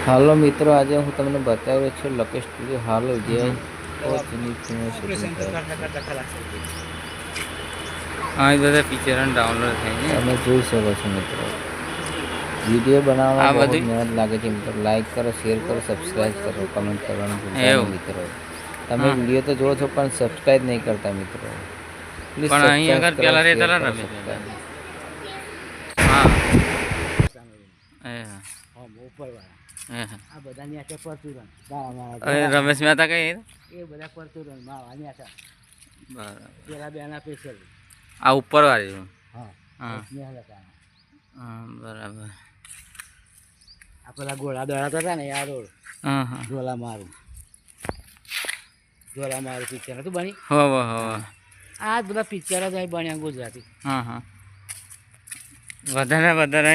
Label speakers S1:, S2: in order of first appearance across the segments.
S1: હાલો મિત્રો, આજે હું તમને બતાવ્યો છું લકેશ સ્ટુડિયો હાલો જે
S2: બધા પિક્ચર ડાઉનલોડ થાય
S1: તમે જોઈ શકો છો મિત્રો. વિડીયો બનાવવામાં બહુ મહેનત લાગે છે મિત્રો. લાઈક કરો, શેર કરો, સબસ્ક્રાઈબ કરો, કમેન્ટ કરવાનું ભૂલતા નહીં મિત્રો. તમે વિડીયો તો જોવો છો પણ સબસ્ક્રાઈબ નહીં કરતા મિત્રો. પ્લીઝ
S2: પણ અહીં આગળ પેલા રહેતા રમેશ. હા રમેશ મહેતા કઈ
S3: એ બધા પરચુરણ માવાની આશા પેલા બેના સ્પેશિયલ
S2: આ ઉપર વાળી.
S3: હા
S2: બરાબર.
S3: આ પેલા ગોળા દોડાતા હતા ને આ રોડ ઝોલા મારું પિક્ચર હતું બની. આ બધા પિક્ચર જ અહીં બન્યા ગુજરાતી.
S2: વધારે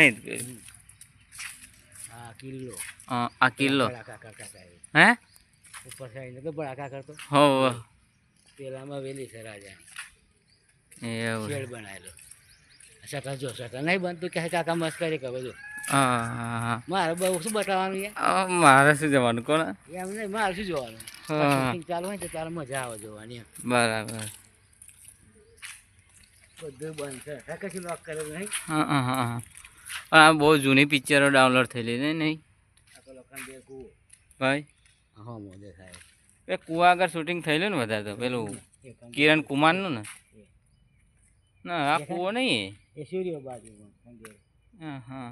S3: હા કિલ્લો.
S2: આ કિલ્લો
S3: હે ઉપર સાઈડ તો બળાકા કરતો.
S2: હો
S3: પેલામાં વેલી છે રાજા
S2: એવું
S3: શેડ બનાવેલો. સટા જો સટા નહીં બનતું કે કાકા મસ્ત કરી કે બધું. મારે બહુ શું બતાવવાનું યાર.
S2: મારે શું જવાનું કોણ
S3: એમ નહીં, મારે શું જોવાનું. ચાલુ હોય તો તારે મજા આવે જોવાની એમ.
S2: બરાબર.
S3: બધું બંધ છે કશું લોક કરેલું નહીં.
S2: પણ આ બહુ જૂની પિક્ચરો ડાઉનલોડ થયેલી ને નહીં ભાઈ.
S3: હા મોદે થાય
S2: એ કુવા આગળ શૂટિંગ થયેલું ને વધારે તો પેલું કિરણ કુમારનું ને. ના આ કૂવો નહીં
S3: એ સૂર્ય બાજુ.
S2: હા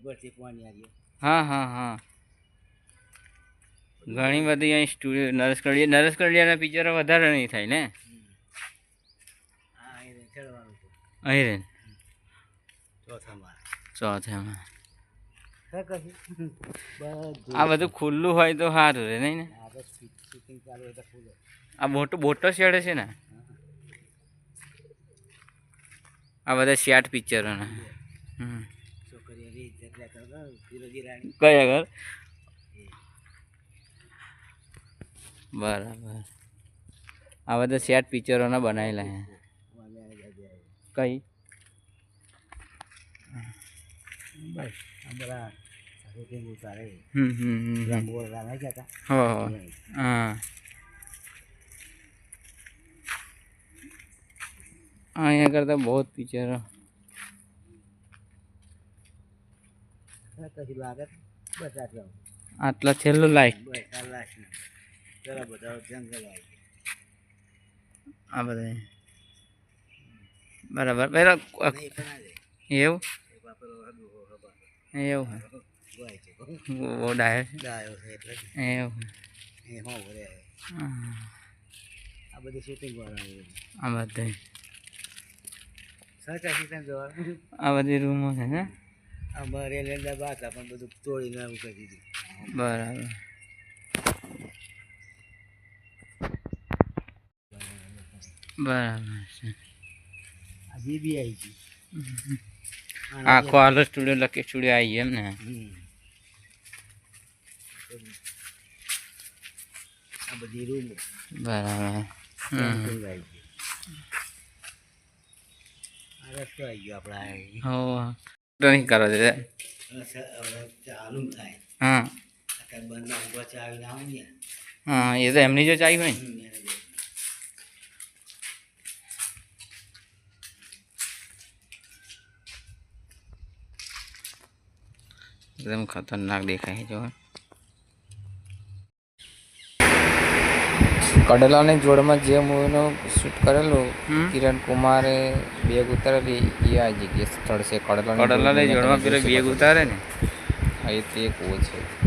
S3: પાણી
S2: ઘણી બધી અહીં સ્ટુડિયો નરેશ કડિયાના પિક્ચરો વધારે નહીં થાય ને અહીં રે ચોથામાં. આ બધું ખુલ્લું હોય તો સારું રે નહીં ને. આ મોટો શેડ છે ને. આ બધા શેટ પિક્ચરોના. કયા ઘર બરાબર. આ બધા શેટ પિક્ચરોના બનાવેલા હે. કઈ અહીંયા કરતા બહુ પિક્ચરો આટલા છેલ્લું લાઈટ આ બધા બરાબર. પેલા એવું એવું બહુ ડાયો છે એવું.
S3: આ બધી શૂટિંગ
S2: આ બધે આ બધી રૂમો છે ને.
S3: અમારે લેન્ડા બાદ પણ બધું તોડીને આવું કરી દીધું.
S2: બરાબર. બરાબર છે.
S3: આ જીબી આવી ગઈ.
S2: આખો હાલો સ્ટુડિયો લકેશ સ્ટુડિયો આવી એમ ને.
S3: આ બધી રૂમો
S2: બરાબર.
S3: રસ્તો આવી ગયો આપણા.
S2: નહીં કરો છે
S3: ચાલુ થાય.
S2: હા
S3: બંધ આવીને આવું ને.
S2: હા એ તો એમની જો ચાઈ હોય ને. એકદમ ખતરનાક દેખાય જો.
S1: કડલાની જોડમાં જે મૂવીનું શૂટ કરેલું કિરણ કુમારે બેગ ઉતારેલી એ આ જગ્યાએ સ્થળ છે.
S2: કડલાની જોડમાં પેલો બેગ ઉતારે ને
S1: એ તે કૂવો છે.